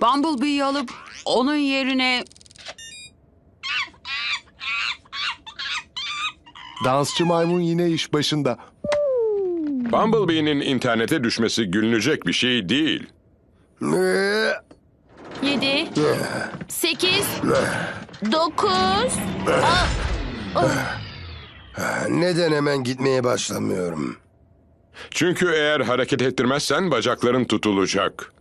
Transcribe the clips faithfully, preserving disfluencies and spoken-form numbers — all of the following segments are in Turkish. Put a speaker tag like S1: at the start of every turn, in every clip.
S1: Bumblebee'yi alıp onun yerine...
S2: Dansçı maymun yine iş başında.
S3: Bumblebee'nin internete düşmesi gülünecek bir şey değil.
S4: Yedi, sekiz, dokuz.
S5: Neden hemen gitmeye başlamıyorum?
S3: Çünkü eğer hareket ettirmezsen bacakların tutulacak.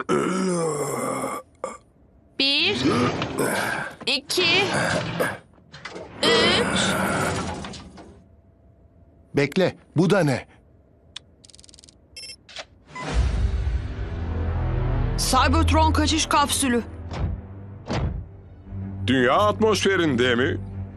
S4: Bir, iki, üç.
S2: Bekle, bu da ne?
S1: Cybertron kaçış kapsülü.
S3: Dünya atmosferinde mi?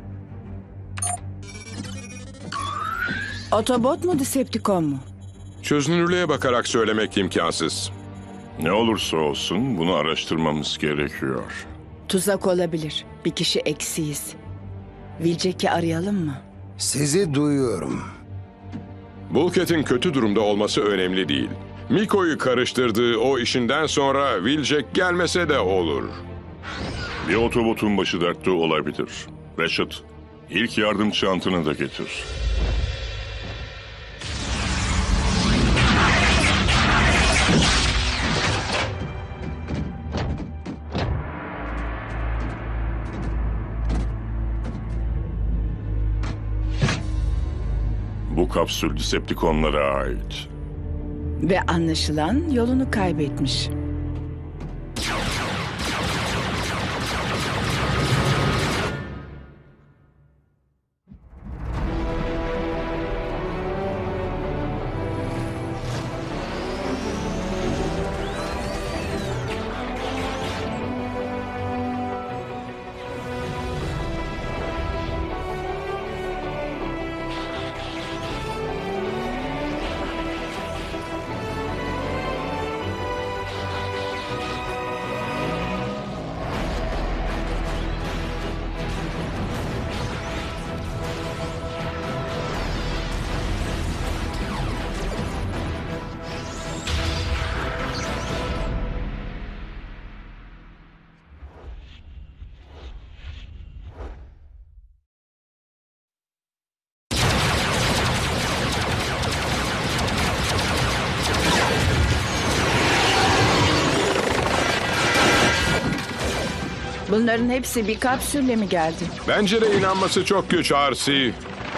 S6: Autobot mu, Decepticon mu?
S3: Çözünürlüğe bakarak söylemek imkansız.
S7: Ne olursa olsun bunu araştırmamız gerekiyor.
S6: Tuzak olabilir. Bir kişi eksiyiz. Wheeljack'i arayalım mı?
S5: Sizi duyuyorum.
S3: Bulkhead'in kötü durumda olması önemli değil. Miko'yu karıştırdığı o işinden sonra Wheeljack gelmese de olur.
S7: Bir otobotun başı dertte olabilir. Reşat, ilk yardım çantanı da getir. Bu kapsül Decepticonlara ait.
S6: Ve anlaşılan yolunu kaybetmiş. Bunların hepsi bir kapsülle mi geldi?
S3: Bence de inanması çok güç Arsi.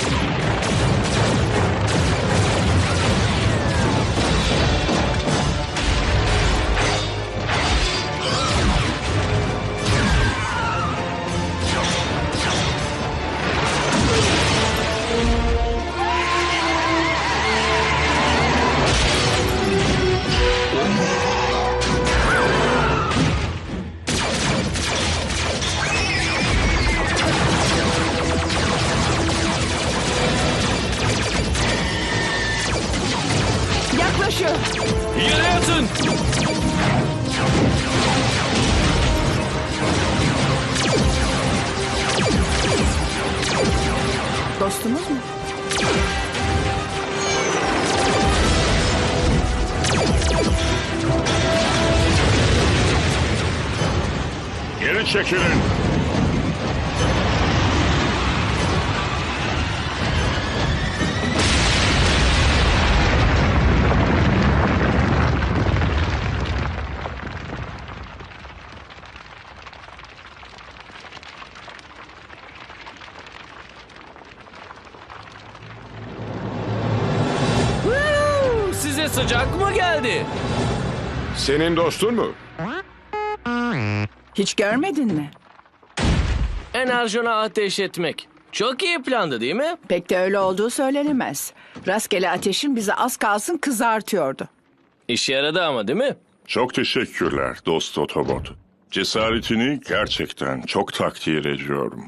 S6: Yaklaşıyor.
S8: Yere yatın!
S6: Dostumuz mu?
S7: Geri çekilin.
S8: Woo! Size sıcak mı geldi?
S3: Senin dostun mu?
S6: Hiç görmedin mi?
S8: Enerjona ateş etmek. Çok iyi plandı değil mi?
S6: Pek de öyle olduğu söylenemez. Rastgele ateşin bizi az kalsın kızartıyordu.
S8: İşe yaradı ama değil mi?
S7: Çok teşekkürler dost Autobot. Cesaretini gerçekten çok takdir ediyorum.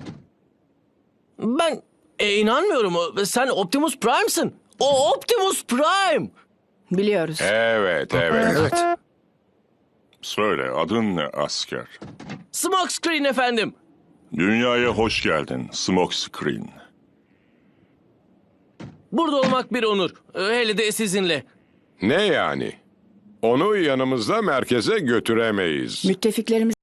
S8: Ben e, inanmıyorum. Sen Optimus Prime'sın. O Optimus Prime.
S6: Biliyoruz.
S3: Evet, evet.
S5: Evet.
S7: Söyle, adın ne asker?
S8: Smokescreen efendim.
S7: Dünyaya hoş geldin Smokescreen.
S8: Burada olmak bir onur. Hele de sizinle.
S3: Ne yani? Onu yanımızda merkeze götüremeyiz.
S6: Müttefiklerimiz